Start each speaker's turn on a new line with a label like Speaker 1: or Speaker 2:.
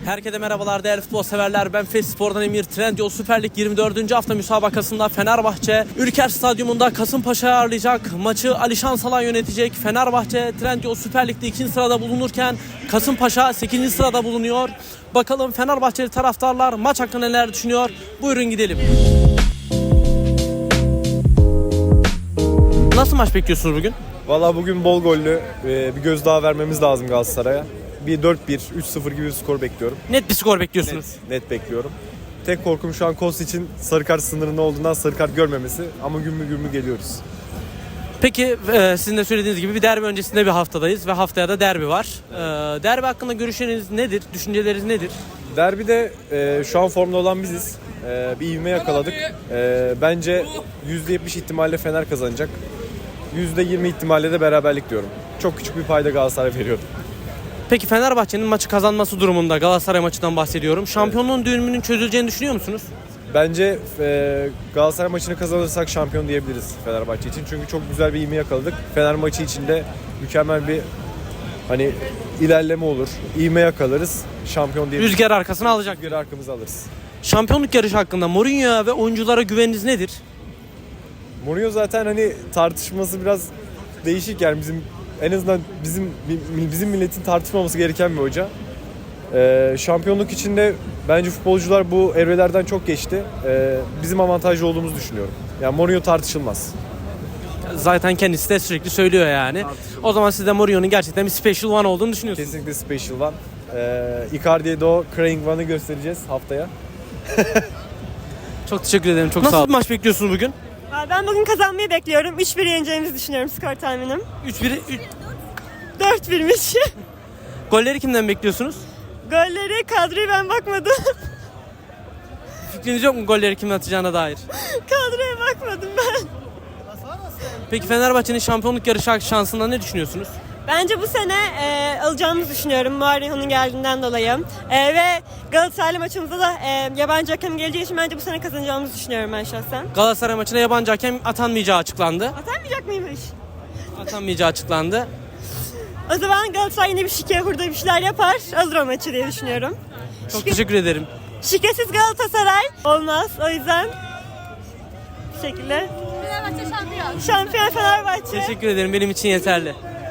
Speaker 1: Herkese merhabalar değerli futbol severler. Ben Fes Spor'dan Emir. Trendyol Süper Lig 24. hafta müsabakasında Fenerbahçe Ülker Stadyumunda Kasımpaşa'yı ağırlayacak. Maçı Alişan Salan yönetecek. Fenerbahçe Trendyol Süper Lig'de 2. sırada bulunurken Kasımpaşa 8. sırada bulunuyor. Bakalım Fenerbahçeli taraftarlar maç hakkında neler düşünüyor? Buyurun gidelim. Nasıl maç bekliyorsunuz bugün?
Speaker 2: Valla bugün bol gollü bir gözdağı vermemiz lazım Galatasaray'a. Bir 4-1, 3-0 gibi bir skor bekliyorum.
Speaker 1: Net bir skor bekliyorsunuz.
Speaker 2: Net bekliyorum. Tek korkum şu an Kos için sarı kart sınırında olduğundan sarı kart görmemesi. Ama gümbür gümbür geliyoruz.
Speaker 1: Peki sizin de söylediğiniz gibi bir derbi öncesinde bir haftadayız ve haftaya da derbi var. Derbi hakkında görüşleriniz nedir? Düşünceleriniz nedir?
Speaker 2: Derbide şu an formda olan biziz. Bir ivme yakaladık. Bence %70 ihtimalle Fener kazanacak. %20 ihtimalle de beraberlik diyorum. Çok küçük bir payda Galatasaray veriyorum.
Speaker 1: Peki Fenerbahçe'nin maçı kazanması durumunda Galatasaray maçından bahsediyorum. Şampiyonluğun düğümünün çözüleceğini düşünüyor musunuz?
Speaker 2: Bence Galatasaray maçını kazanırsak şampiyon diyebiliriz Fenerbahçe için. Çünkü çok güzel bir ivme yakaladık. Fener maçı içinde mükemmel bir ilerleme olur. İvme yakalarız. Şampiyon diyebiliriz.
Speaker 1: Rüzgar arkasına alacak.
Speaker 2: Rüzgarı arkamıza alırız.
Speaker 1: Şampiyonluk yarışı hakkında Mourinho ve oyunculara güveniniz nedir?
Speaker 2: Mourinho zaten tartışması biraz değişik, yani en azından bizim milletin tartışmaması gereken bir hoca. Şampiyonluk içinde bence futbolcular bu evrelerden çok geçti. Bizim avantajlı olduğumuzu düşünüyorum. Yani Mourinho tartışılmaz.
Speaker 1: Zaten kendisi de sürekli söylüyor yani. O zaman siz de Mourinho'nun gerçekten bir special one olduğunu düşünüyorsunuz.
Speaker 2: Kesinlikle special one. Icardi'ye de o crying one'ı göstereceğiz haftaya.
Speaker 1: Çok teşekkür ederim. Çok sağ olun. Nasıl bir maç bekliyorsunuz bugün?
Speaker 3: Ben bugün kazanmayı bekliyorum. 3-1 yeneceğimizi düşünüyorum skor tahminim. 4-1'miş.
Speaker 1: Golleri kimden bekliyorsunuz?
Speaker 3: Golleri, kadroya ben bakmadım.
Speaker 1: Fikriniz yok mu golleri kimin atacağına dair?
Speaker 3: Kadroya bakmadım ben.
Speaker 1: Peki Fenerbahçe'nin şampiyonluk yarışı şansında ne düşünüyorsunuz?
Speaker 3: Bence bu sene alacağımızı düşünüyorum Mourinho'nun geldiğinden dolayı. Ve Galatasaray maçımızda da yabancı hakem geleceği için bence bu sene kazanacağımızı düşünüyorum ben şahsen.
Speaker 1: Galatasaray maçına yabancı hakem atanmayacağı açıklandı.
Speaker 3: Atanmayacak mıymış?
Speaker 1: Atanmayacağı açıklandı.
Speaker 3: O zaman Galatasaray yine bir şike hurda bir şeyler yapar. Alır o maçı diye düşünüyorum.
Speaker 1: Çok teşekkür ederim.
Speaker 3: Şikesiz Galatasaray olmaz. O yüzden bu şekilde.
Speaker 4: Fenerbahçe şampiyon.
Speaker 3: Şampiyon Fenerbahçe.
Speaker 1: Teşekkür ederim. Benim için yeterli.